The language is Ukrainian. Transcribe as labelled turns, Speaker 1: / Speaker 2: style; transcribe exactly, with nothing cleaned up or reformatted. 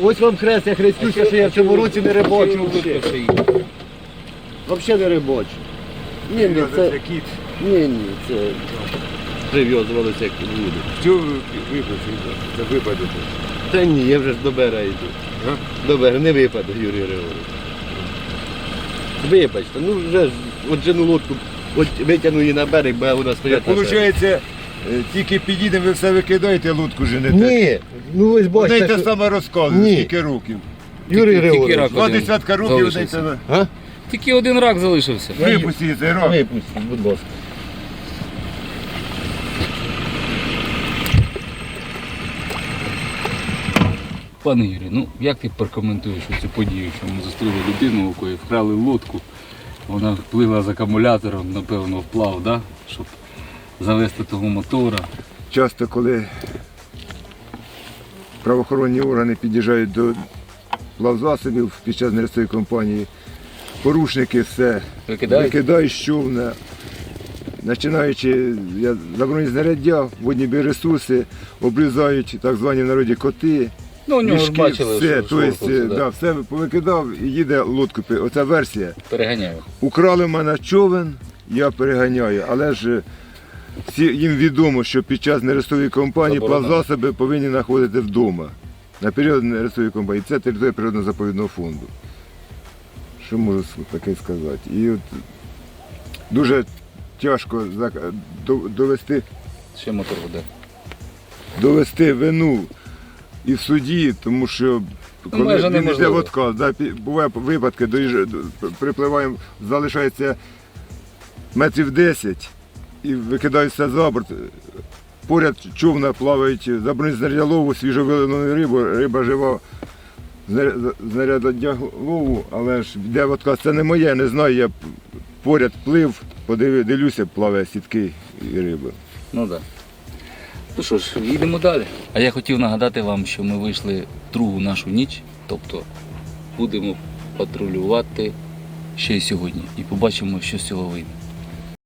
Speaker 1: Ось вам хрест, я хрестюся, що я в цьому році не рибочу. Взагалі не рибочу. Ні, ні, це... Ні, ні, це... Прив'язувалися як люди.
Speaker 2: Що випадку? Це випадок.
Speaker 1: Та ні, я вже ж до берега йду.
Speaker 2: А?
Speaker 1: До берега, не випаду, Юрій Григорович. Вибачте, ну вже ж, от жену лодку, от витягну її на берег, бо вона стоять на березі.
Speaker 2: Виходить, тільки підійдемо, ви все викидаєте, лодку женете.
Speaker 1: Ні, ну ви ж
Speaker 2: Одне й
Speaker 1: бачите,
Speaker 2: те
Speaker 1: що...
Speaker 2: саме розказує,
Speaker 1: Ні.
Speaker 2: скільки років.
Speaker 1: Юрій
Speaker 3: Тільки
Speaker 1: Григорович,
Speaker 3: рак.
Speaker 2: Два
Speaker 3: Один
Speaker 2: десятка років одне й
Speaker 3: залишився.
Speaker 2: те саме.
Speaker 1: а?
Speaker 3: Тільки один рак залишився.
Speaker 2: Випустіть цей рок.
Speaker 1: Випустіть, будь ласка.
Speaker 3: Пане Юрій, ну як ти прокоментуєш цю подію, що ми зустріли людину, у якої вкрали лодку, вона плила з акумулятором, напевно, вплав, да? Щоб завести того мотора.
Speaker 2: Часто, коли правоохоронні органи під'їжджають до плавзасобів під час нерестової компанії, порушники все
Speaker 3: Викидають?
Speaker 2: викидають з човна, починаючи я, заборонені знаряддя, водні біоресурси, обрізають так звані в народі коти.
Speaker 3: Ну, у нього ж
Speaker 2: мішки,
Speaker 3: бачили,
Speaker 2: все,
Speaker 3: що
Speaker 2: то есть,
Speaker 3: шорхався, да.
Speaker 2: да, все повикидав і їде лодку. Оця версія.
Speaker 3: Переганяю.
Speaker 2: Украли в мене човен, я переганяю, але ж всі, їм відомо, що під час нерестової кампанії
Speaker 3: Заборонено.
Speaker 2: плавзасоби повинні знаходити вдома. На період нерестової кампанії. Це територія природно-заповідного фонду. Що можу таке сказати? І от дуже тяжко зак- до- довести,
Speaker 3: Ще мотор веде.
Speaker 2: довести вину і в суді, тому що коли
Speaker 3: майже
Speaker 2: він йде
Speaker 3: неможливо.
Speaker 2: в отказ, да, пі- бувають випадки, доїжджа- до- припливаємо, залишається метрів десять і викидають все за борт. Поряд човна плавають заборонені знаряддя лову, свіжовилену рибу, риба жива, знаря- знаряддя лову, але ж йде в отказ. Це не моє, не знаю, я поряд плив, подивив, дивлюся, плаває сітки і риба.
Speaker 3: Ну так. Да. Ну що ж, їдемо далі. А я хотів нагадати вам, що ми вийшли другу нашу ніч, тобто будемо патрулювати ще й сьогодні. І побачимо, що з цього вийде.